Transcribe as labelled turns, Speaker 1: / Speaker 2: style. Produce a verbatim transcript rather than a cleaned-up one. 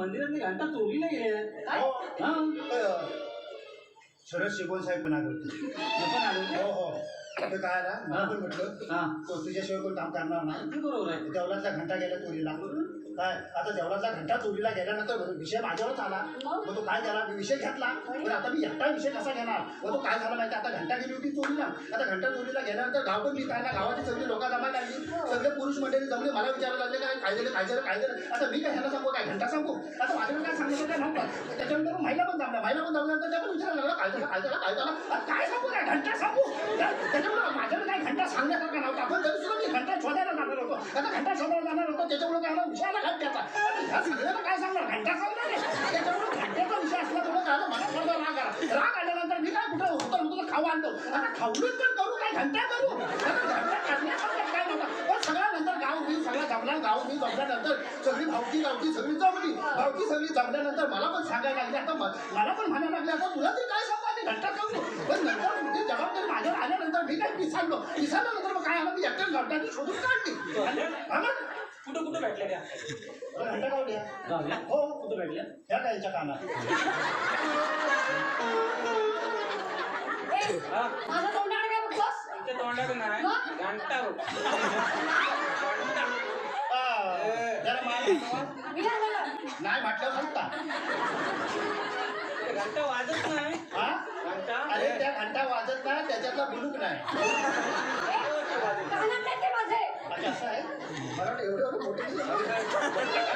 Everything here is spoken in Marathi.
Speaker 1: मंदिरातली घंटा चोरीला गेले काय?
Speaker 2: हा शरद शिगोल साहेब पण आले
Speaker 1: पण आलो
Speaker 2: हो हो ते काय आला मला पण म्हटलं
Speaker 1: हा
Speaker 2: तुझ्याशिवाय कोण काम करणार नाही
Speaker 1: बरोबर आहे.
Speaker 2: देवळातला घंटा गेला चोरीला काय आता देवळातला घंटा चोरीला गेल्यानंतर विषय माझ्यावरच आला मग तो काय झाला मी विषय घेतला पण आता मी एकटा विषय कसा घेणार मग तो काय झाला माहिती आता घंटा गेली होती चोरीला आता घंटा चोरीला गेल्यानंतर गाव पण मी काय ना गावाची सगळी लोक जमा लागली सगळे पुरुष मंडळी जमले मला विचारायला लागले काय काय झालं काय झालं काय झालं आता मी काय ह्याला सांगू काय घंटा सांगू आता माझ्याकडे काय सांगितलं काय नव्हतं त्याच्यानंतर महिला पण जमल्या महिला पण जमल्यानंतर त्या पण विचारायला लागला काय झालं काय झालं काय झालं आता काय सांगू काय घंटा सांगू त्याच्यामुळे माझ्याकडे काय घंटा सांगण्यासारखा नव्हता पण तरी सुद्धा मी घंटा शोधायला जाणार होतो आता घंटा शोधायला जाणार होतो त्याच्यामुळे काय विषयाला घंट्याचा ह्या सगळ्याला काय सांगणार घंटा सांगणार नाही त्याच्यामुळे घंट्याचा विषय असला थोडं काय मला थोडा राग आला राग आल्यानंतर मी काय कुठं उत्तर होतो खाऊ आणतो आता खाऊनच पण करू काय घंटा करू आता घंटा करण्यासारखं काय नव्हतं पण सगळ्यानंतर गाव मी सगळा जमला गाव मी जमल्यानंतर सगळी भावकी गावची सगळी जमली भावकी सगळी जमल्यानंतर मला पण सांगायला लागली आता मला पण म्हणायला लागले आता तुला तरी काय सांगू आधी घंटा करू पण नंतर तुमची जबाबदारी माझ्यावर आल्यानंतर मी काय पिसाळलो पिसाळल्यानंतर मग काय आलं मी एकट्याच घंटाची शोधून काढली
Speaker 1: कुठं कुठं भेटल्या त्या
Speaker 2: घंटा गावल्या
Speaker 1: गावल्या
Speaker 2: हो
Speaker 1: कुठं भेटल्या
Speaker 2: ह्या कायच्या कानात
Speaker 3: माझं तोंडाकडे काय बघतोस
Speaker 1: तुमच्या तोंडाकडे नाही घंटा
Speaker 2: जरा
Speaker 3: मी नाही म्हणलं.
Speaker 2: नाही म्हटलं म्हणता
Speaker 1: घंटा वाजत नाही
Speaker 2: हा
Speaker 1: घंटा
Speaker 2: अरे त्या घंटा वाजत नाही त्याच्यातला बुलूक नाही
Speaker 3: कानात नाही ते माझे
Speaker 2: अच्छा असं आहे मला वाटतं एवढे एवढे मोठे